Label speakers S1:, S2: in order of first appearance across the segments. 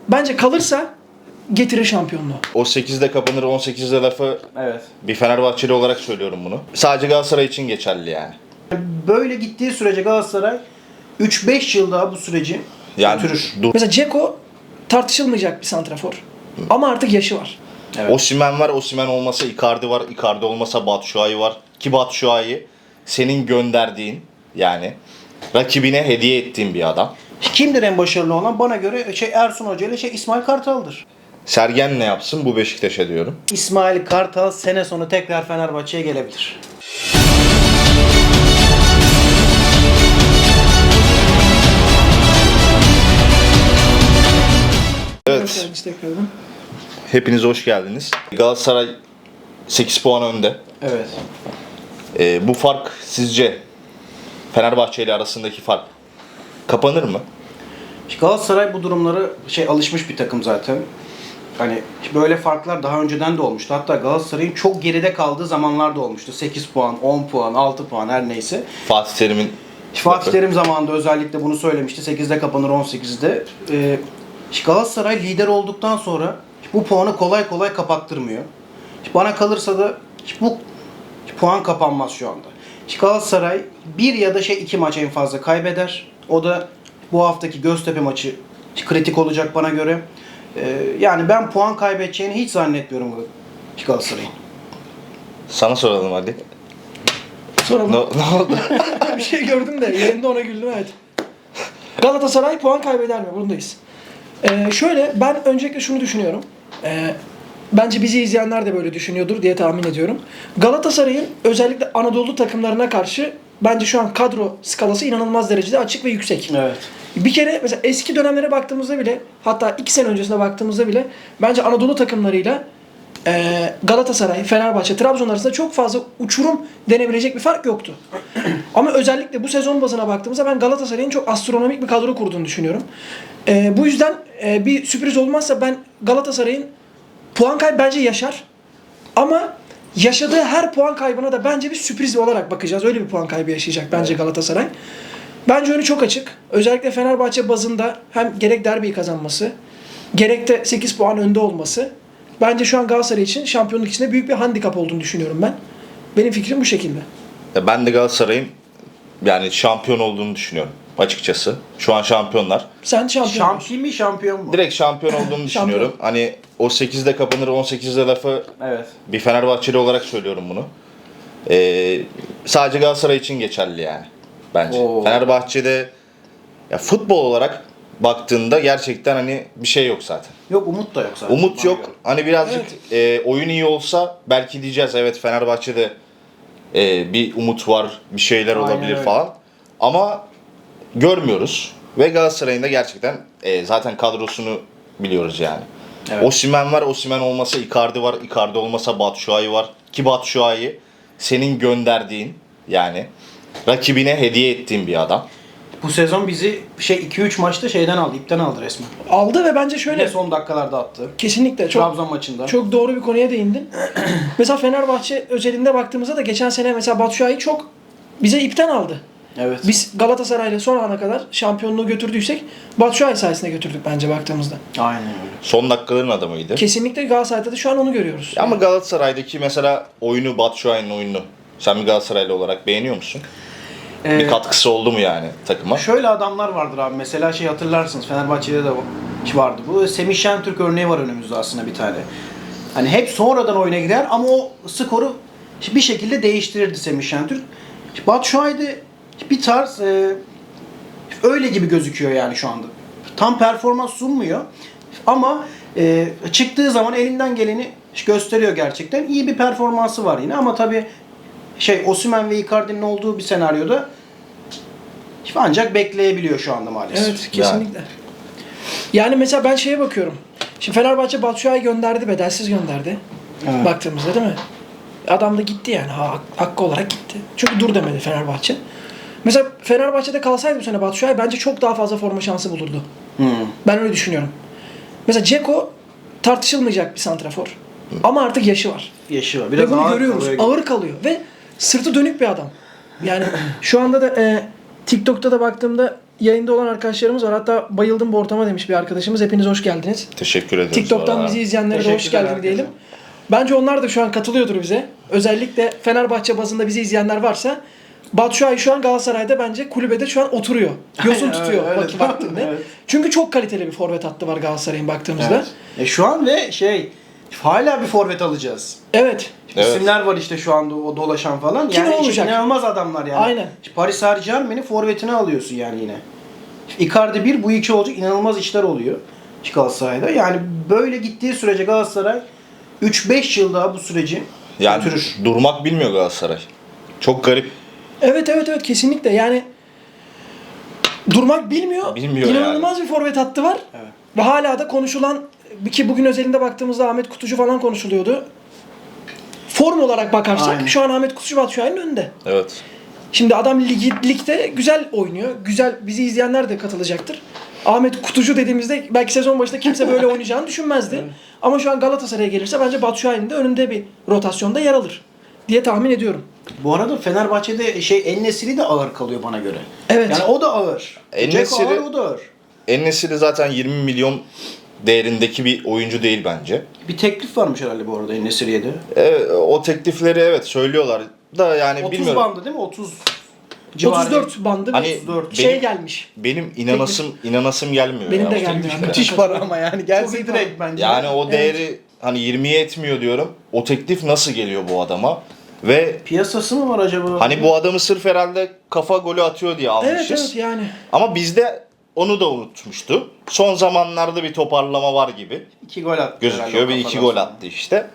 S1: bence kalırsa getirir şampiyonluğu.
S2: O 8'de kapanır 18'de lafı
S3: Evet.
S2: bir Fenerbahçeli olarak söylüyorum bunu. Sadece Galatasaray için geçerli yani.
S3: Böyle gittiği sürece Galatasaray 3-5 yıl daha bu süreci
S2: Yani
S3: götürür.
S1: Mesela Dzeko tartışılmayacak bir santrafor. Ama artık yaşı var.
S3: Evet.
S2: Osimhen var, Osimhen olmasa Icardi var, Icardi olmasa Batshuayi var. Ki Batshuayi senin gönderdiğin yani rakibine hediye ettiğin bir adam.
S3: Kimdir en başarılı olan? Bana göre Ersun Hoca ile İsmail Kartal'dır.
S2: Sergen ne yapsın bu Beşiktaş'a diyorum.
S3: İsmail Kartal sene sonu tekrar Fenerbahçe'ye gelebilir.
S2: Evet,
S1: Tekrardan.
S2: hepiniz hoş geldiniz. Galatasaray 8 puan önde.
S3: Evet.
S2: Bu fark sizce Fenerbahçe ile arasındaki fark kapanır mı?
S3: Galatasaray bu durumlara alışmış bir takım zaten. Hani böyle farklar daha önceden de olmuştu. Hatta Galatasaray'ın çok geride kaldığı zamanlar da olmuştu. 8 puan, 10 puan, 6 puan her neyse.
S2: Fatih Terim'in
S3: Fatih Terim zamanında özellikle bunu söylemişti. 8'de kapanır 18'de. Galatasaray lider olduktan sonra bu puanı kolay kolay kapattırmıyor. Bana kalırsa da bu puan kapanmaz şu anda. Galatasaray bir ya da 2 maç en fazla kaybeder. O da bu haftaki Göztepe maçı kritik olacak bana göre. Yani ben puan kaybedeceğini hiç zannetmiyorum Galatasaray'ın.
S2: Sana soralım hadi.
S1: Soralım.
S2: Ne oldu?
S1: Bir şey gördüm de yayında ona güldüm, evet. Galatasaray puan kaybeder mi? Bundayız. Şöyle, ben öncelikle şunu düşünüyorum. Bence bizi izleyenler de böyle düşünüyordur diye tahmin ediyorum. Galatasaray'ın özellikle Anadolu takımlarına karşı bence şu an kadro skalası inanılmaz derecede açık ve yüksek.
S3: Evet.
S1: Bir kere mesela eski dönemlere baktığımızda bile, hatta 2 sene öncesine baktığımızda bile bence Anadolu takımlarıyla Galatasaray, Fenerbahçe, Trabzon arasında çok fazla uçurum denebilecek bir fark yoktu. Ama özellikle bu sezon bazına baktığımızda ben Galatasaray'ın çok astronomik bir kadro kurduğunu düşünüyorum. Bu yüzden bir sürpriz olmazsa ben Galatasaray'ın puan kaybı bence yaşar. Ama yaşadığı her puan kaybına da bence bir sürpriz olarak bakacağız. Öyle bir puan kaybı yaşayacak bence Galatasaray. Bence önü çok açık. Özellikle Fenerbahçe bazında hem gerek derbiyi kazanması, gerek de 8 puan önde olması bence şu an Galatasaray için şampiyonluk içinde büyük bir handikap olduğunu düşünüyorum ben. Benim fikrim bu şekilde.
S2: Ben de Galatasaray'ın yani şampiyon olduğunu düşünüyorum açıkçası. Şu an şampiyonlar.
S1: Sen şampiyon musun?
S3: Şampiyon mi şampiyon mu?
S2: Direkt şampiyon olduğunu düşünüyorum. Hani o 8'de kapanır 18'de lafı
S3: Evet.
S2: bir Fenerbahçeli olarak söylüyorum bunu. Sadece Galatasaray için geçerli yani bence.
S3: Oo.
S2: Fenerbahçe'de ya futbol olarak baktığında gerçekten hani bir şey yok zaten.
S3: Yok, umut da yok zaten.
S2: Umut
S3: Bana
S2: yok.
S3: göre.
S2: Hani birazcık oyun iyi olsa belki diyeceğiz evet Fenerbahçe'de bir umut var, bir şeyler
S3: Aynen
S2: olabilir
S3: öyle.
S2: falan. Ama görmüyoruz. Ve Galatasaray'ın da gerçekten zaten kadrosunu biliyoruz yani.
S3: Evet.
S2: Osimhen var, Osimhen olmasa Icardi var, Icardi olmasa Batshuayi var. Ki Batshuayi senin gönderdiğin yani rakibine hediye ettiğin bir adam.
S3: Bu sezon bizi 2-3 maçta ipten aldı resmen.
S1: Aldı ve bence
S3: Yine
S1: şöyle
S3: son dakikalarda attı.
S1: kesinlikle çok
S3: Trabzon maçında.
S1: çok doğru bir konuya değindin. Mesela Fenerbahçe özelinde baktığımızda da geçen sene mesela Batshuayi çok bize ipten aldı.
S3: Evet.
S1: Biz Galatasaray'la son ana kadar şampiyonluğu götürdüysek Batshuayi sayesinde götürdük bence baktığımızda.
S3: Aynen öyle.
S2: Son dakikaların adamıydı.
S1: Kesinlikle Galatasaray'da da şu an onu görüyoruz.
S2: Ama Galatasaray'daki mesela oyunu, Batshuayi'nin oyununu sen bir Galatasaraylı olarak beğeniyor musun? Bir katkısı oldu mu yani takıma?
S3: Şöyle adamlar vardır abi. Mesela hatırlarsınız, Fenerbahçe'de de vardı. Bu Semih Şentürk örneği var önümüzde aslında bir tane. Hani hep sonradan oyuna girer ama o skoru bir şekilde değiştirirdi Semih Şentürk. Batshuayi'de bir tarz öyle gibi gözüküyor yani şu anda. Tam performans sunmuyor ama çıktığı zaman elinden geleni gösteriyor gerçekten. İyi bir performansı var yine ama tabii Osimhen ve Icardi'nin olduğu bir senaryoda ancak bekleyebiliyor şu anda maalesef.
S1: Evet, kesinlikle. Yani mesela ben şeye bakıyorum. Şimdi Fenerbahçe Batshuayi gönderdi, bedelsiz gönderdi.
S3: Evet.
S1: Baktığımızda değil mi? Adam da gitti yani. Hakkı olarak gitti. Çünkü dur demedi Fenerbahçe. Mesela Fenerbahçe'de kalsaydı bu sene Batshuayi bence çok daha fazla forma şansı bulurdu. Ben öyle düşünüyorum. Mesela Dzeko tartışılmayacak bir santrafor. Ama artık yaşı var.
S3: Yaşı var.
S1: Ve
S3: Biraz
S1: bunu
S3: ağır
S1: görüyoruz.
S3: kalıyor.
S1: Ağır kalıyor. Ve sırtı dönük bir adam. Yani şu anda da TikTok'ta da baktığımda yayında olan arkadaşlarımız var. Hatta bayıldım bu ortama demiş bir arkadaşımız. Hepiniz hoş geldiniz.
S2: Teşekkür ederiz.
S1: TikTok'tan
S2: valla.
S1: bizi izleyenlere de hoş
S3: Teşekkürler
S1: geldin
S3: herkese.
S1: diyelim. Bence onlar da şu an katılıyordur bize. Özellikle Fenerbahçe bazında bizi izleyenler varsa Batshuayi şu an Galatasaray'da bence kulübede şu an oturuyor. Yosun
S3: Aynen,
S1: tutuyor
S3: öyle.
S1: vaktinde.
S3: Evet.
S1: Çünkü çok kaliteli bir forvet hattı var Galatasaray'ın baktığımızda.
S3: Evet. Şu an ve hala bir forvet alacağız.
S1: Evet.
S2: Evet.
S3: İsimler var işte şu anda o dolaşan falan.
S1: Kim
S3: Yani
S1: olacak?
S3: inanılmaz adamlar yani.
S1: Aynen.
S3: Paris Saint-Germain'in forvetini alıyorsun yani yine. Icardi 1, bu 2 olacak. İnanılmaz işler oluyor Galatasaray'da. Yani böyle gittiği sürece Galatasaray 3-5 yıl daha bu süreci
S2: Yani
S3: götürür.
S2: durmak bilmiyor Galatasaray. Çok garip.
S1: Evet kesinlikle yani durmak bilmiyor.
S2: Bilmiyor
S1: İnanılmaz bir forvet hattı var.
S3: Evet.
S1: Ve hala da konuşulan ki bugün özelinde baktığımızda Ahmet Kutucu falan konuşuluyordu. Form olarak bakarsak
S3: Aynen.
S1: şu an Ahmet Kutucu Batshuayi'nin önünde.
S2: Evet.
S1: Şimdi adam ligde güzel oynuyor. Güzel, bizi izleyenler de katılacaktır. Ahmet Kutucu dediğimizde belki sezon başında kimse böyle oynayacağını düşünmezdi. Ama şu an Galatasaray'a gelirse bence Batshuayi'nin de önünde bir rotasyonda yer alır diye tahmin ediyorum.
S3: Bu arada Fenerbahçe'de En-Nesyri de ağır kalıyor bana göre.
S1: Evet.
S3: Yani o da ağır. Dzeko
S2: En-Nesyri-
S3: ağır, o da ağır.
S2: En-Nesyri zaten 20 milyon değerindeki bir oyuncu değil bence.
S3: Bir teklif varmış herhalde bu arada En-Nesyri'ye de.
S2: O teklifleri evet söylüyorlar da yani
S3: 30
S2: bilmiyorum.
S3: bandı değil mi? 30 civarı.
S1: 34 bandı
S2: Hani
S1: bir
S3: 34.
S1: şey
S2: benim-
S1: gelmiş.
S2: Benim inanasım gelmiyor.
S1: Benim
S2: ya.
S1: de
S2: O
S1: gelmiyor.
S2: tekliflere.
S3: Müthiş para ama yani.
S1: Çok
S3: Gelse
S1: iyi
S3: direkt bence.
S2: Yani o değeri hani 20'ye etmiyor diyorum. O teklif nasıl geliyor bu adama? Ve
S3: Piyasası mı var acaba?
S2: hani bu adamı sırf herhalde kafa golü atıyor diye almışız.
S1: Evet yani.
S2: Ama bizde onu da unutmuştu. Son zamanlarda bir toparlama var gibi
S3: 2 gol attı.
S2: gözüküyor.
S3: herhalde
S2: Bir
S3: o
S2: iki
S3: kafadan
S2: gol
S3: sonra.
S2: attı işte.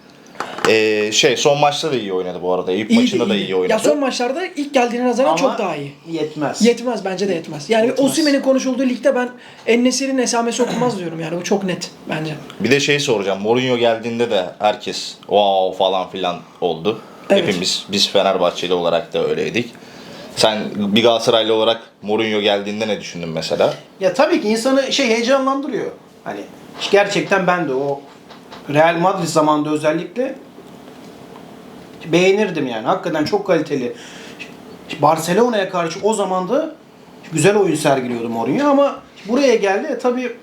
S2: Son maçta da iyi oynadı bu arada. Eyüp maçında da iyi oynadı.
S1: Ya son maçlarda ilk geldiğine nazaran
S3: Ama
S1: çok daha iyi.
S3: Yetmez.
S1: Yetmez bence de yetmez. Yani
S3: Yetmez.
S1: Osimhen'in konuşulduğu ligde ben En-Nesyri'nin esamesi okunmaz diyorum yani bu çok net bence.
S2: Bir de soracağım. Mourinho geldiğinde de herkes wow falan filan oldu.
S1: Evet.
S2: Hepimiz, biz Fenerbahçeli olarak da öyleydik. Sen bir Galatasaraylı olarak Mourinho geldiğinde ne düşündün mesela?
S3: Ya tabii ki insanı heyecanlandırıyor. Hani gerçekten ben de o Real Madrid zamanında özellikle beğenirdim yani. Hakikaten çok kaliteli. Barcelona'ya karşı o zaman da güzel oyun sergiliyordu Mourinho ama buraya geldi. Tabii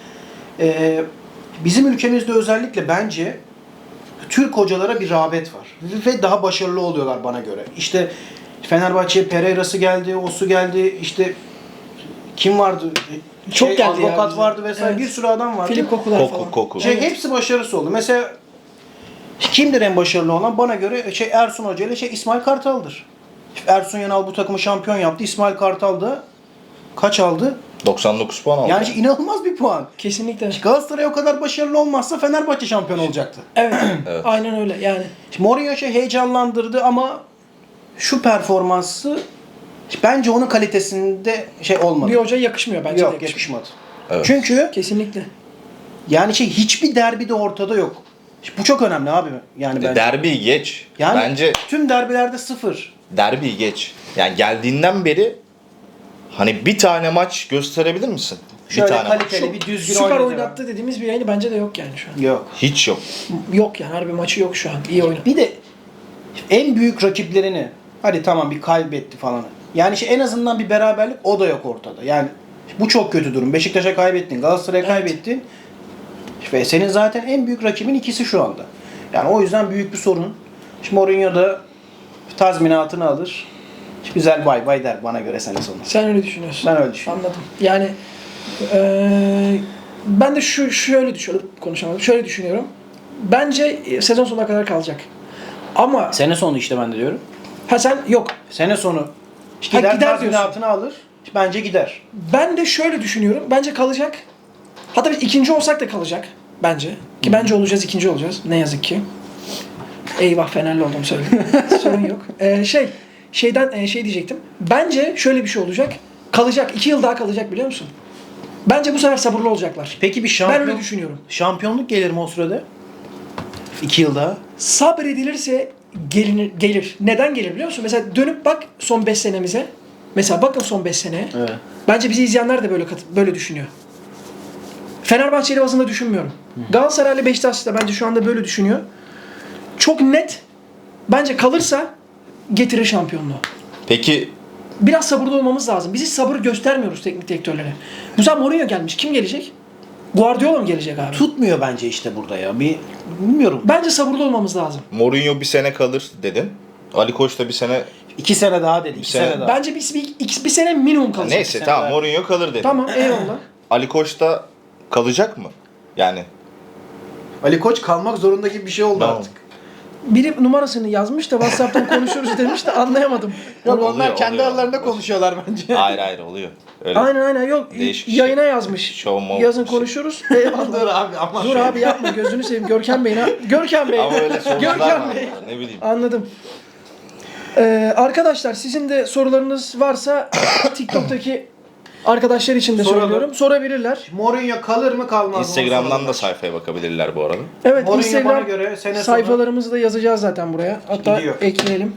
S3: bizim ülkemizde özellikle bence Türk hocalara bir rağbet var. Ve daha başarılı oluyorlar bana göre. İşte Fenerbahçe'ye Pereira'sı geldi, Osu geldi, işte kim vardı?
S1: Çok geldi ya
S3: Advokat
S1: bize.
S3: vardı vesaire,
S1: Evet.
S3: bir sürü adam vardı.
S1: Filip Kokular falan.
S2: Koku.
S3: Hepsi başarısı oldu. Mesela kimdir en başarılı olan? Bana göre Ersun Hoca ile İsmail Kartal'dır. Ersun Yanal bu takımı şampiyon yaptı. İsmail Kartal da kaç aldı?
S2: 99 puan aldı.
S3: Yani inanılmaz bir puan.
S1: Kesinlikle.
S3: Galatasaray o kadar başarılı olmazsa Fenerbahçe şampiyon olacaktı.
S1: Evet.
S2: Evet.
S1: Aynen öyle yani.
S3: Şimdi Mourinho heyecanlandırdı ama şu performansı bence onun kalitesinde olmadı.
S1: Bir hoca yakışmıyor bence de
S3: Yok,
S1: yakışmıyor.
S3: yakışmadı.
S2: Evet.
S3: Çünkü
S1: Kesinlikle.
S3: yani hiçbir derbi de ortada yok. Bu çok önemli abi. Yani bence.
S2: Derbi geç.
S3: Yani
S2: Bence
S3: tüm derbilerde 0.
S2: derbi geç. Yani geldiğinden beri hani bir tane maç gösterebilir misin?
S3: Şöyle
S2: bir tane maç.
S3: kaliteli bir düzgün
S1: Süper
S3: oynadı.
S1: oynattı dediğimiz bir yayını bence de yok yani şu an.
S3: Yok.
S2: Hiç yok.
S1: Yok yani harbi maçı yok şu an. İyi oynadı.
S3: Bir de en büyük rakiplerini hadi tamam bir kaybetti falan. Yani en azından bir beraberlik o da yok ortada. Yani bu çok kötü durum. Beşiktaş'a kaybettin, Galatasaray'a
S1: Evet.
S3: kaybettin. Ve senin zaten en büyük rakibin ikisi şu anda. Yani o yüzden büyük bir sorun. Şimdi Mourinho da tazminatını alır. Güzel bay bay der bana göre sene sonu.
S1: Sen öyle düşünüyorsun.
S3: Ben öyle düşünüyorum.
S1: Anladım. Yani ben de şöyle düşünüyorum. Konuşamadım. Şöyle düşünüyorum. Bence sezon sonuna kadar kalacak. Ama
S3: Sene sonu işte ben de diyorum.
S1: sen yok.
S3: Sene sonu
S1: Ha,
S3: gider
S1: gider
S3: tazminatını alır. Bence gider.
S1: Ben de şöyle düşünüyorum. Bence kalacak. Hatta biz ikinci olsak da kalacak. Bence. Ki bence olacağız, ikinci olacağız. Ne yazık ki. Eyvah Fenerli oldum söyledim. Sorun yok. Şey diyecektim. Bence şöyle bir şey olacak. Kalacak. 2 yıl daha kalacak biliyor musun? Bence bu sefer sabırlı olacaklar.
S3: Peki bir
S1: Ben öyle düşünüyorum.
S3: şampiyonluk gelir mi o sürede? 2 yıl daha.
S1: Sabredilirse gelir. Neden gelir biliyor musun? Mesela dönüp bak son 5 senemize. Mesela bakın son 5 seneye.
S3: Evet.
S1: Bence bizi izleyenler de böyle düşünüyor. Fenerbahçeli bazında düşünmüyorum. Galatasaraylı Beşiktaşlı da bence şu anda böyle düşünüyor. Çok net. Bence kalırsa getirir şampiyonluğu.
S2: Peki
S1: biraz sabırlı olmamız lazım. Biz hiç sabır göstermiyoruz teknik direktörlere. Bu sefer Mourinho gelmiş. Kim gelecek? Guardiola mı gelecek abi?
S3: Tutmuyor bence işte burada ya. Bilmiyorum.
S1: Bence sabırlı olmamız lazım.
S2: Mourinho bir sene kalır dedin. Ali Koç da bir sene...
S3: 2 sene daha dedi. 2
S2: sene-
S3: sene daha.
S1: Bence bir sene minimum kalacak.
S2: Neyse
S3: sene
S2: tamam
S3: daha.
S2: Mourinho kalır dedin.
S1: Tamam eyvallah.
S2: Ali Koç da kalacak mı? Yani
S3: Ali Koç kalmak zorunda gibi bir şey oldu
S2: Tamam.
S3: artık.
S1: Biri numarasını yazmış da WhatsApp'tan konuşuruz demiş de anlayamadım.
S3: Yok
S2: Oluyor,
S3: onlar kendi
S2: oluyor.
S3: aralarında konuşuyorlar bence.
S2: hayır oluyor. Öyle.
S1: Aynen yok.
S2: Değişik şey.
S1: Yayına yazmış.
S2: Show mode
S1: Yazın
S2: bir şey.
S1: konuşuruz. Eyvallah.
S3: Dur abi ama.
S1: Dur abi yapma gözünü seveyim. Görkem Bey. Görkem Bey.
S2: Ama öyle sorular
S1: Görkem
S2: var.
S1: Bey.
S2: Ne bileyim.
S1: Anladım. Arkadaşlar sizin de sorularınız varsa TikTok'taki arkadaşlar için de
S3: Soralım.
S1: söylüyorum. Sorabilirler.
S3: Mourinho kalır mı kalmaz mı?
S2: Instagram'dan da sayfaya bakabilirler bu arada.
S1: Evet
S3: Mourinho bana
S1: Instagram
S3: göre sene sonu
S1: sayfalarımızı da yazacağız zaten buraya. Hatta
S3: Gidiyor.
S1: ekleyelim.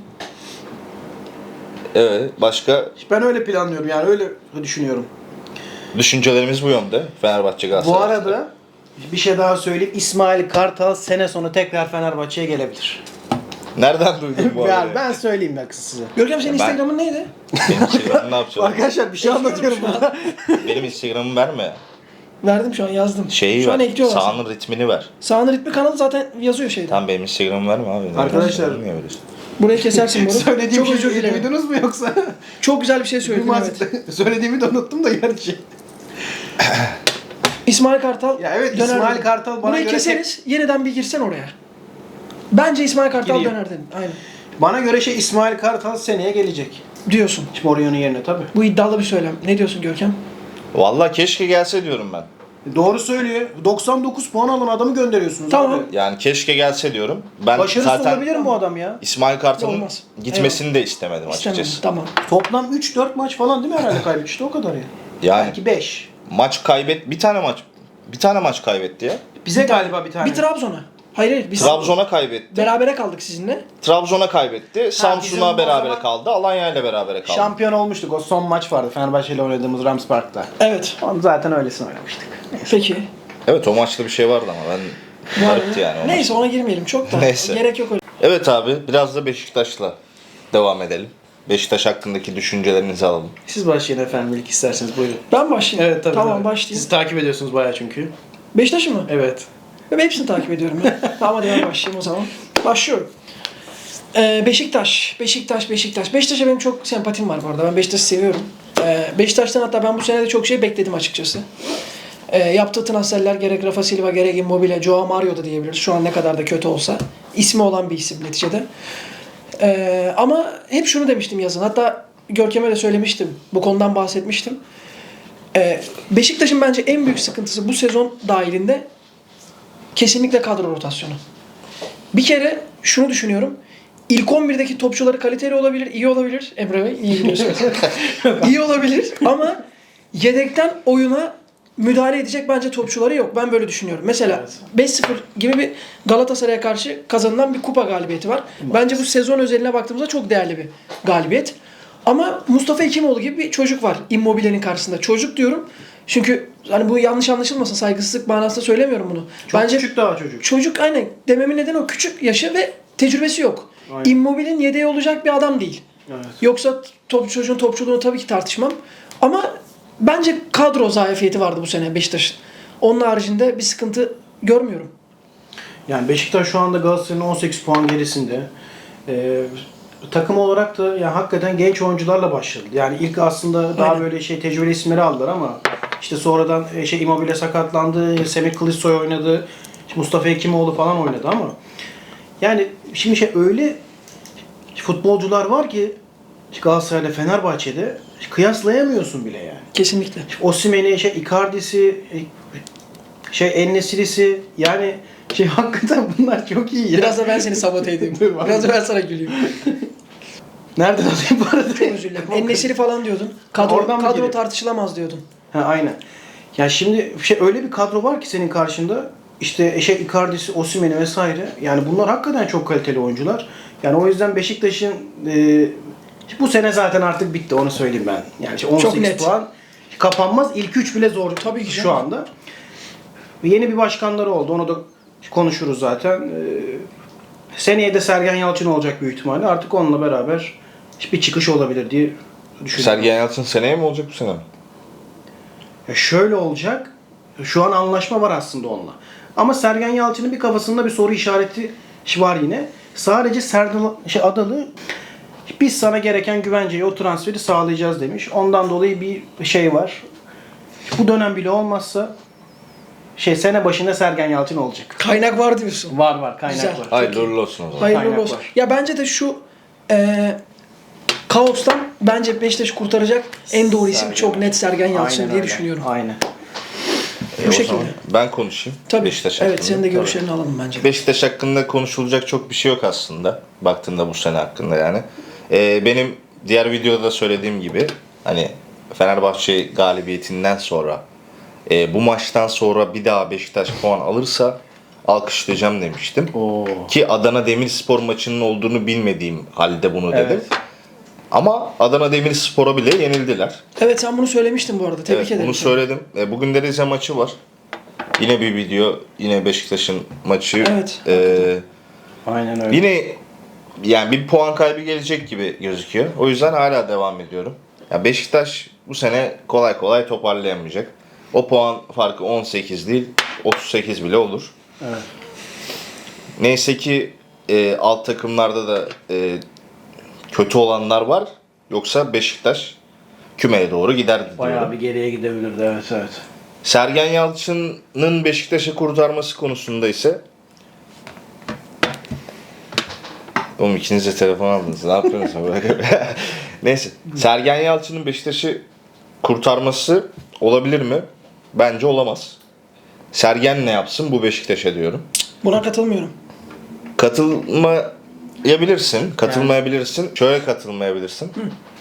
S2: Evet. Başka
S3: ben öyle planlıyorum yani öyle düşünüyorum.
S2: düşüncelerimiz bu yönde. Fenerbahçe Galatasaray.
S3: Bu arada bir şey daha söyleyeyim. İsmail Kartal sene sonu tekrar Fenerbahçe'ye gelebilir.
S2: Nereden duydun bu
S3: Yani
S2: arada?
S3: ben söyleyeyim bak size.
S1: Görkem senin
S2: Ben-
S1: Instagram'ın neydi?
S2: Benim Instagram'ı ne yapacağım?
S3: Arkadaşlar bir şey anlatıyorum burada.
S2: Benim Instagram'ımı verme.
S1: Verdim şu an yazdım.
S2: Şeyi
S1: şu an
S2: ver.
S1: ekliyorlar.
S2: Sahanın ritmini ver.
S1: Sağın ritmi kanalı zaten yazıyor şeyde.
S2: Tamam benim Instagram'ımı verme abi.
S3: Arkadaşlar-
S2: Niye veriyorsun?
S1: Burayı kesersin bunu.
S3: Söylediğim
S1: Çok özür
S3: şeyi
S1: dilerim.
S3: duydunuz mu yoksa?
S1: Çok güzel bir şey söyledin evet.
S3: Söylediğimi de unuttum da gerçi.
S1: İsmail Kartal.
S3: Ya evet,
S1: döner
S3: İsmail
S1: dedim.
S3: Kartal bana
S1: Burayı
S3: göre
S1: keseriz. Yeniden bir girsen oraya. Bence İsmail Kartal
S3: Gireyim.
S1: döner dedim. Aynen.
S3: Bana göre İsmail Kartal seneye gelecek.
S1: Diyorsun.
S3: Mourinho'nun yerine tabii.
S1: Bu iddialı bir söylem. Ne diyorsun Görkem?
S2: Vallahi keşke gelse diyorum ben.
S3: Doğru söylüyor. 99 puan alan adamı gönderiyorsunuz
S1: Tamam.
S3: abi.
S2: Yani keşke gelse diyorum. Ben
S3: Başarısız
S2: zaten
S3: olabilir mi bu adam ya?
S2: İsmail Kartal'ın
S1: Olmaz.
S2: gitmesini de istemedim
S1: İstemem.
S2: açıkçası.
S1: Tamam.
S3: Toplam 3-4 maç falan değil mi herhalde kaybetmişti o kadar ya.
S2: Yani
S3: Belki 5.
S2: maç bir tane maç kaybetti ya.
S3: Bize galiba bir tane.
S1: Bir Trabzon'a. Hayır biz
S2: Trabzon'a kaybetti.
S1: berabere kaldık sizinle.
S2: Trabzon'a kaybetti.
S3: bizim
S2: Samsun'a
S3: o
S2: berabere
S3: zaman-
S2: kaldı. Alanya ile berabere kaldı.
S3: Şampiyon olmuştuk. O son maç vardı Fenerbahçe ile oynadığımız Rams Park'ta.
S1: Evet.
S3: Onu zaten öylesine oynamıştık.
S1: Peki.
S2: Evet o maçta bir şey vardı ama ben garipti yani. o
S1: Neyse ona girmeyelim. Çok da
S2: Neyse.
S1: gerek yok öyle.
S2: Evet abi biraz da Beşiktaş'la devam edelim. Beşiktaş hakkındaki düşüncelerinizi alalım.
S3: Siz başlayın efendim ilk isterseniz buyurun.
S1: Ben başlayayım.
S3: Evet tabii.
S1: Tamam
S3: tabii.
S1: başlayayım.
S3: Siz takip ediyorsunuz bayağı çünkü.
S1: Beşiktaş'ı mı?
S3: Evet.
S1: Ben hepsini takip ediyorum ya. Tamam hadi ben başlayayım o zaman. Başlıyorum. Beşiktaş. Beşiktaş'a benim çok sempatim var bu arada. Ben Beşiktaş'ı seviyorum. Beşiktaş'tan hatta ben bu sene de çok şey bekledim açıkçası. Yaptığı transferler gerek Rafa Silva gerek Immobile, Joao Mario da diyebiliriz. Şu an ne kadar da kötü olsa. İsmi olan bir isim neticede. Ama hep şunu demiştim yazın. Hatta Görkem'e de söylemiştim. Bu konudan bahsetmiştim. Beşiktaş'ın bence en büyük sıkıntısı bu sezon dahilinde kesinlikle kadro rotasyonu. Bir kere şunu düşünüyorum. İlk 11'deki topçuları kaliteli olabilir, iyi olabilir. Emre Bey, iyi biliyorsunuz. İyi olabilir ama yedekten oyuna müdahale edecek bence topçuları yok. Ben böyle düşünüyorum. Mesela 5-0 gibi bir Galatasaray'a karşı kazanılan bir kupa galibiyeti var. Bence bu sezon özeline baktığımızda çok değerli bir galibiyet. Ama Mustafa Hekimoğlu gibi bir çocuk var Immobile'nin karşısında. Çocuk diyorum. Çünkü hani bu yanlış anlaşılmasın, saygısızlık manasında söylemiyorum bunu.
S3: Çok
S1: Bence
S3: küçük daha çocuk.
S1: çocuk aynen dememin nedeni o küçük yaşı ve tecrübesi yok.
S3: Aynen.
S1: Immobile'nin yedeği olacak bir adam değil.
S3: Evet.
S1: Yoksa çocuğun topçuluğunu tabii ki tartışmam. Ama bence kadro zayıfiyeti vardı bu sene Beşiktaş'ın. Onun haricinde bir sıkıntı görmüyorum.
S3: Yani Beşiktaş şu anda Galatasaray'ın 18 puan gerisinde. Takım olarak da yani hakikaten genç oyuncularla başladı. Yani ilk aslında daha
S1: Aynen.
S3: böyle tecrübeli isimleri aldılar ama işte sonradan Immobile sakatlandı, Semih Kılıçsoy oynadı, işte Mustafa Hekimoğlu falan oynadı ama yani şimdi öyle futbolcular var ki Galatasaray'la Fenerbahçe'de kıyaslayamıyorsun bile yani.
S1: Kesinlikle.
S3: Osimhen'i, Icardi'si, En-Nesyri'si yani hakikaten bunlar çok iyi ya.
S1: Biraz da ben seni sabote edeyim.
S3: Dur, var.
S1: Biraz da ben sana güleyim.
S3: Nereden alayım bu arada?
S1: Çok özür dilerim. En-Nesyri falan diyordun.
S3: Oradan mı
S1: Kadro
S3: geliyor?
S1: tartışılamaz diyordun.
S3: Ha aynen. Ya şimdi öyle bir kadro var ki senin karşında işte Icardi'si, Osimhen'i vesaire. Yani bunlar hakikaten çok kaliteli oyuncular. Yani o yüzden Beşiktaş'ın bu sene zaten artık bitti onu söyleyeyim ben. Yani 18
S1: net.
S3: puan kapanmaz. İlk 3 bile zor
S1: Tabii ki
S3: şu
S1: canım.
S3: anda. Ve yeni bir başkanları oldu. Onu da konuşuruz zaten. Seneye de Sergen Yalçın olacak büyük ihtimalle. Artık onunla beraber bir çıkış olabilir diye düşünüyorum.
S2: Sergen Yalçın seneye mi olacak bu sene mi?
S3: Ya şöyle olacak. Şu an anlaşma var aslında onunla. Ama Sergen Yalçın'ın bir kafasında bir soru işareti var yine. Sadece Adalı biz sana gereken güvenceyi, o transferi sağlayacağız demiş. Ondan dolayı bir şey var. Bu dönem bile olmazsa sene başında Sergen Yalçın olacak.
S1: Kaynak var diyorsun.
S3: Var kaynak
S1: Güzel.
S3: var.
S2: Hayırlı uğurlu olsun o zaman.
S1: Hayırlı
S3: Kaynak
S1: olsun.
S3: var.
S1: Ya bence de şu kaostan bence Beşiktaş'ı kurtaracak en doğru isim
S3: Sergen
S1: çok net Sergen Yalçın
S3: Aynen
S1: diye
S3: öyle.
S1: düşünüyorum.
S3: Aynen.
S1: Bu
S2: O
S1: şekilde.
S2: zaman ben konuşayım.
S1: Tabii.
S2: Beşiktaş
S1: Evet,
S2: hakkında.
S1: senin de görüşlerini alalım bence.
S2: Beşiktaş hakkında konuşulacak çok bir şey yok aslında. Baktığında bu sene hakkında yani. Benim diğer videoda da söylediğim gibi hani Fenerbahçe galibiyetinden sonra bu maçtan sonra bir daha Beşiktaş puan alırsa alkışlayacağım demiştim.
S3: Oo.
S2: Ki Adana Demirspor maçının olduğunu bilmediğim halde bunu dedim.
S3: Evet.
S2: Ama Adana Demirspor'a bile yenildiler.
S1: Evet, sen bunu söylemiştin bu arada. Tebrik
S2: Evet,
S1: ederim.
S2: bunu
S1: seni.
S2: söyledim. Bugün de Rize maçı var. Yine bir video, yine Beşiktaş'ın maçı.
S1: Evet.
S3: Aynen öyle.
S2: Yine yani bir puan kaybı gelecek gibi gözüküyor. O yüzden hala devam ediyorum. Ya Beşiktaş bu sene kolay kolay toparlayamayacak. O puan farkı 18 değil, 38 bile olur.
S3: Evet.
S2: Neyse ki alt takımlarda da kötü olanlar var. Yoksa Beşiktaş kümeye doğru giderdi diyorum.
S3: Bayağı bir geriye gidebilirdi, evet.
S2: Sergen Yalçın'ın Beşiktaş'ı kurtarması konusunda ise oğlum ikiniz de telefon aldınız. Ne yapıyorsunuz? Neyse. Sergen Yalçın'ın Beşiktaş'ı kurtarması olabilir mi? Bence olamaz. Sergen ne yapsın bu Beşiktaş'a diyorum.
S1: Buna katılmıyorum.
S2: Katılmayabilirsin. Katılmayabilirsin. Şöyle katılmayabilirsin.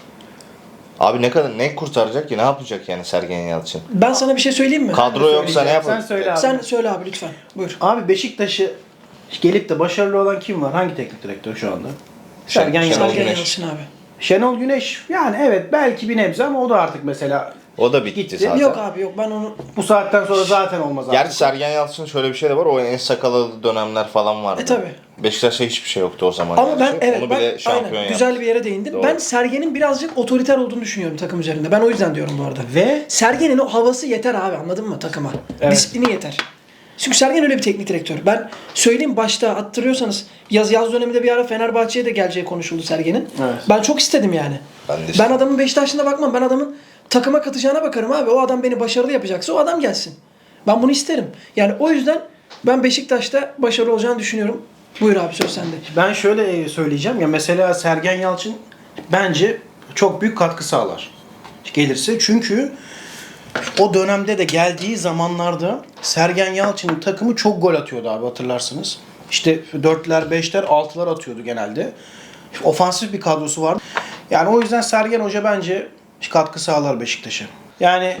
S2: Abi ne kurtaracak ki? Ne yapacak yani Sergen Yalçın?
S1: Ben sana bir şey söyleyeyim mi?
S2: Kadro yoksa ne yapar?
S3: Sen söyle abi.
S1: Sen söyle abi lütfen. Buyur.
S3: Abi Beşiktaş'ı gelip de başarılı olan kim var? Hangi teknik direktör şu anda? Sergen
S2: Şenol
S3: Yalçın.
S1: Sergen
S2: Güneş.
S1: Yalçın abi.
S3: Şenol Güneş. Yani evet belki bir nebze ama o da artık mesela
S2: O da bitti
S3: Gitti.
S2: zaten.
S1: Yok abi yok, ben onu
S3: bu saatten sonra zaten olmaz artık.
S2: Gerçi Sergen Yalçın'ın şöyle bir şey de var. O en sakalalı dönemler falan vardı.
S1: tabii.
S2: Beşiktaş'ta hiçbir şey yoktu o zaman.
S1: ama ben
S2: gerçi. Onu bile
S1: aynen
S2: şampiyon yaptı.
S1: güzel bir yere değindin.
S2: Doğru.
S1: Ben Sergen'in birazcık otoriter olduğunu düşünüyorum takım üzerinde. Ben o yüzden diyorum bu arada.
S3: Ve
S1: Sergen'in o havası yeter abi, anladın mı takıma?
S3: Evet.
S1: Disiplini yeter. Çünkü Sergen öyle bir teknik direktör. Ben söyleyeyim, başta hatırlıyorsanız yaz döneminde bir ara Fenerbahçe'ye de geleceği konuşuldu Sergen'in.
S3: Evet.
S1: Ben çok istedim yani.
S2: Ben de
S1: Ben
S2: istedim.
S1: adamın Beşiktaş'ına bakmam. Ben adamın takıma katacağına bakarım abi. O adam beni başarılı yapacaksa o adam gelsin. Ben bunu isterim. Yani o yüzden ben Beşiktaş'ta başarılı olacağını düşünüyorum. Buyur abi, söz sende.
S3: ben şöyle söyleyeceğim ya, mesela Sergen Yalçın bence çok büyük katkı sağlar gelirse. Çünkü o dönemde de geldiği zamanlarda Sergen Yalçın'ın takımı çok gol atıyordu abi, hatırlarsınız. İşte 4'ler, 5'ler, 6'lar atıyordu genelde. Ofansif bir kadrosu vardı. Yani o yüzden Sergen Hoca bence katkı sağlar Beşiktaş'a. Yani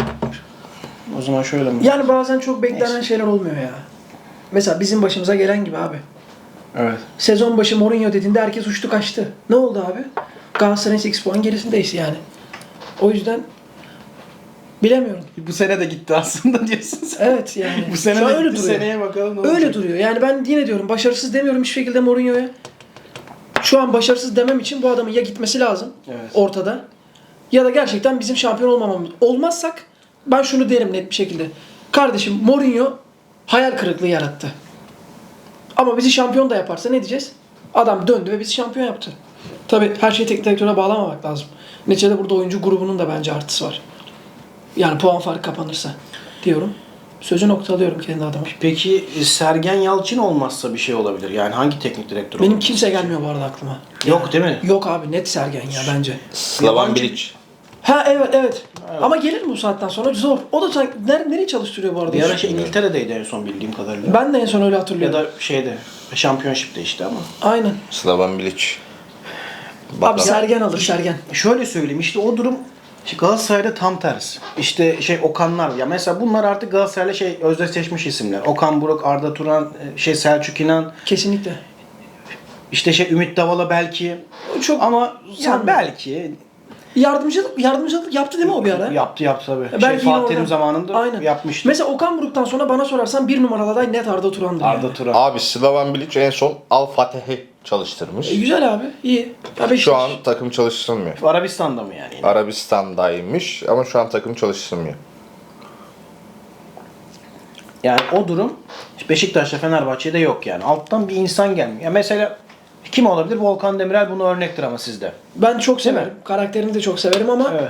S3: o zaman şöyle mi?
S1: Yani bazen çok beklenen şeyler olmuyor ya. Mesela bizim başımıza gelen gibi abi.
S3: Evet.
S1: Sezon başı Mourinho dediğinde herkes uçtu kaçtı. Ne oldu abi? Galatasaray'ın 8 puan gerisindeyiz yani. O yüzden bilemiyorum.
S3: Bu sene de gitti aslında diyorsun sen.
S1: Evet yani.
S3: Bu sene
S1: Şu an
S3: de
S1: öyle
S3: gitti,
S1: duruyor.
S3: seneye bakalım ne olacak.
S1: Öyle duruyor. Yani ben yine diyorum, başarısız demiyorum hiçbir şekilde Mourinho'ya. Şu an başarısız demem için bu adamın ya gitmesi lazım
S3: Evet.
S1: ortada, ya da gerçekten bizim şampiyon olmamamız. Olmazsak ben şunu derim net bir şekilde. Kardeşim, Mourinho hayal kırıklığı yarattı. Ama bizi şampiyon da yaparsa ne diyeceğiz? Adam döndü ve bizi şampiyon yaptı. Tabii her şeyi teknik direktöre bağlamamak lazım. Neticede burada oyuncu grubunun da bence artısı var. Yani puan farkı kapanırsa diyorum. Sözü noktalıyorum kendi adıma.
S3: Peki Sergen Yalçın olmazsa bir şey olabilir. Yani hangi teknik direktör
S1: Benim
S3: olabilir?
S1: kimse gelmiyor bu arada aklıma.
S3: Yok değil mi?
S1: Yok abi, net Sergen ya bence.
S2: Slavan
S3: Yabancı-
S2: Bilic.
S1: Ha evet. Ama gelir mi bu saatten sonra? Zor. O da nereye çalıştırıyor bu arada?
S3: Bir ara İngiltere'deydi en son bildiğim kadarıyla.
S1: Ben de en son öyle
S3: Ya
S1: hatırlıyorum.
S3: da şeyde, Championship'te işte ama.
S1: Aynen.
S2: Slavan Bilic.
S1: Abi
S2: Bakalım.
S1: Sergen alır, Sergen.
S3: Şöyle söyleyeyim, işte o durum Galatasaray'da tam tersi. İşte Okanlar, ya mesela bunlar artık Galatasaray'la özdeşleşmiş isimler. Okan Buruk, Arda Turan, Selçuk İnan,
S1: Kesinlikle.
S3: işte Ümit Davala belki.
S1: Çok
S3: Ama
S1: Yani-
S3: belki
S1: yardımcılık yaptı değil mi o bir ara?
S3: yaptı tabii.
S1: Belki yine
S3: Fatih Terim
S1: oradan-
S3: zamanında
S1: Aynen.
S3: yapmıştı.
S1: Mesela Okan Buruk'tan sonra bana sorarsan bir numaralı aday net Arda Turan'dır.
S3: Arda
S1: yani.
S3: Turan.
S2: Abi Slavan Bilic en son Al Fatih'i çalıştırmış.
S1: Güzel abi. İyi. Ya Beşiktaş-
S2: Şu an takım çalıştırmıyor.
S3: Arabistan'da mı yani?
S2: Arabistan'daymış ama şu an takım çalıştırmıyor.
S3: Yani o durum Beşiktaş'ta Fenerbahçe'de yok yani. Alttan bir insan gelmiyor. Ya mesela kim olabilir? Volkan Demirel bunu örnektir ama sizde.
S1: Ben çok
S3: Değil mi?
S1: severim. Karakterini de çok severim ama
S3: Evet.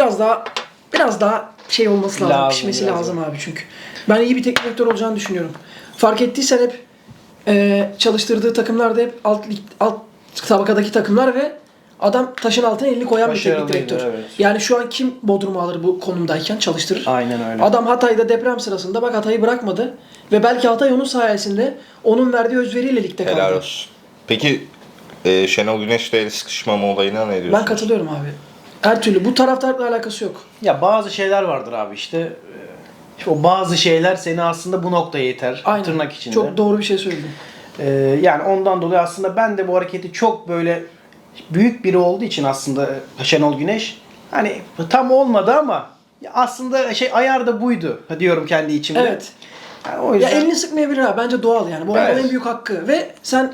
S1: biraz daha şey olması lazım.
S3: Lazım,
S1: Pişmesi
S3: biraz
S1: lazım abi çünkü. Ben iyi bir teknik direktör olacağını düşünüyorum. Fark ettiysen hep çalıştırdığı takımlar da hep alt tabakadaki takımlar ve adam taşın altına elini koyan bir teknik
S3: Başarılıydı,
S1: direktör.
S3: evet.
S1: Yani şu an kim Bodrum'u alır bu konumdayken çalıştırır.
S3: Aynen öyle.
S1: Adam Hatay'da deprem sırasında bak Hatay'ı bırakmadı ve belki Hatay onun sayesinde onun verdiği özveriyle ligde kaldı.
S2: Helal olsun. Peki Şenol Güneş'le el sıkışmama olayına ne diyorsunuz?
S1: Ben katılıyorum abi. Her türlü. Bu taraftarla alakası yok.
S3: Ya bazı şeyler vardır abi işte. İşte o bazı şeyler seni aslında bu noktaya iter.
S1: Aynen.
S3: Tırnak içinde.
S1: Çok doğru bir şey söyledin.
S3: Yani ondan dolayı aslında ben de bu hareketi çok böyle büyük biri olduğu için aslında Şenol Güneş hani tam olmadı ama ya aslında ayar da buydu diyorum kendi içimde.
S1: Evet.
S3: Yani o
S1: Ya
S3: yüzden
S1: elini sıkmayabilir abi. Bence doğal yani. Bu adamın
S2: Evet.
S1: en büyük hakkı. Ve sen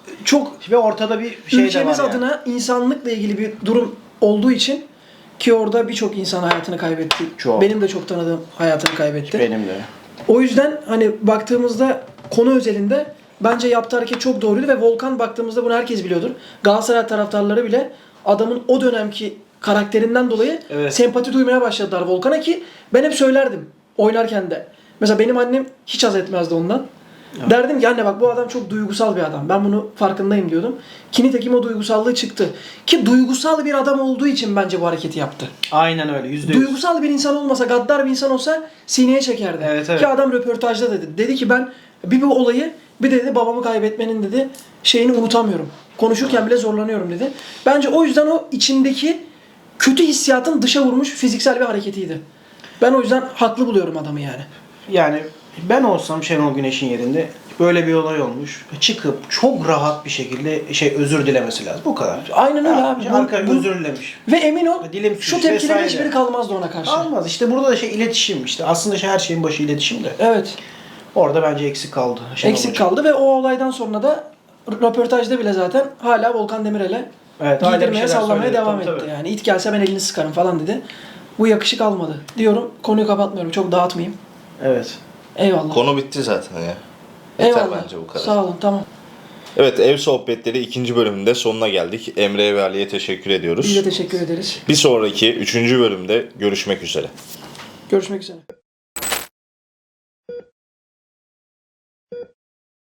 S1: çok
S3: ve ortada bir şey de var
S1: ülkemiz
S3: yani.
S1: adına insanlıkla ilgili bir durum olduğu için ki orada birçok insan hayatını kaybetti.
S3: Çok.
S1: Benim de çok tanıdığım hayatını kaybetti.
S3: Benim de.
S1: O yüzden hani baktığımızda konu özelinde bence yaptığı hareket çok doğruydu ve Volkan baktığımızda bunu herkes biliyordur. Galatasaray taraftarları bile adamın o dönemki karakterinden dolayı
S3: Evet.
S1: sempati duymaya başladılar Volkan'a ki ben hep söylerdim oynarken de. Mesela benim annem hiç haz etmezdi ondan. Derdim ki anne bak bu adam çok duygusal bir adam. Ben bunu farkındayım diyordum. Ki nitekim o duygusallığı çıktı. Ki duygusal bir adam olduğu için bence bu hareketi yaptı.
S3: Aynen öyle. %100.
S1: Duygusal bir insan olmasa, gaddar bir insan olsa sineye çekerdi.
S3: Evet, evet.
S1: Ki adam röportajda dedi. Dedi ki ben bu olayı bir dedi babamı kaybetmenin dedi şeyini unutamıyorum. Konuşurken bile zorlanıyorum dedi. Bence o yüzden o içindeki kötü hissiyatın dışa vurmuş fiziksel bir hareketiydi. Ben o yüzden haklı buluyorum adamı yani.
S3: Yani ben olsam Şenol Güneş'in yerinde böyle bir olay olmuş. Çıkıp çok rahat bir şekilde özür dilemesi lazım. Bu kadar.
S1: Aynen öyle abi.
S3: Arkadaş özür dilemiş.
S1: Ve emin ol
S3: Dilim
S1: şu
S3: sürç
S1: tepkilerin
S3: vesaire.
S1: hiçbiri kalmazdı ona karşı.
S3: Almaz. İşte burada da iletişim işte. Aslında her şeyin başı iletişim de.
S1: Evet.
S3: Orada bence eksik kaldı. Şenol
S1: Eksik
S3: Hoca.
S1: kaldı ve o olaydan sonra da röportajda bile zaten hala Volkan Demirel'e
S3: Evet, hala bir
S1: giydirmeye
S3: şeyler
S1: sallamaya
S3: söyledi.
S1: devam
S3: Tabii,
S1: etti.
S3: tabii.
S1: Yani it gelse ben elini sıkarım falan dedi. Bu yakışık almadı diyorum. Konuyu kapatmıyorum. Çok dağıtmayayım.
S3: Evet.
S1: Eyvallah.
S2: Konu bitti zaten ya. Yeter
S1: Eyvallah.
S2: bence bu kadar.
S1: Sağ olun. Tamam.
S2: Evet, ev sohbetleri 2. bölümünde sonuna geldik. Emre ve Ali'ye teşekkür ediyoruz.
S1: Biz de teşekkür ederiz.
S2: Bir sonraki 3. bölümde görüşmek üzere.
S1: Görüşmek üzere.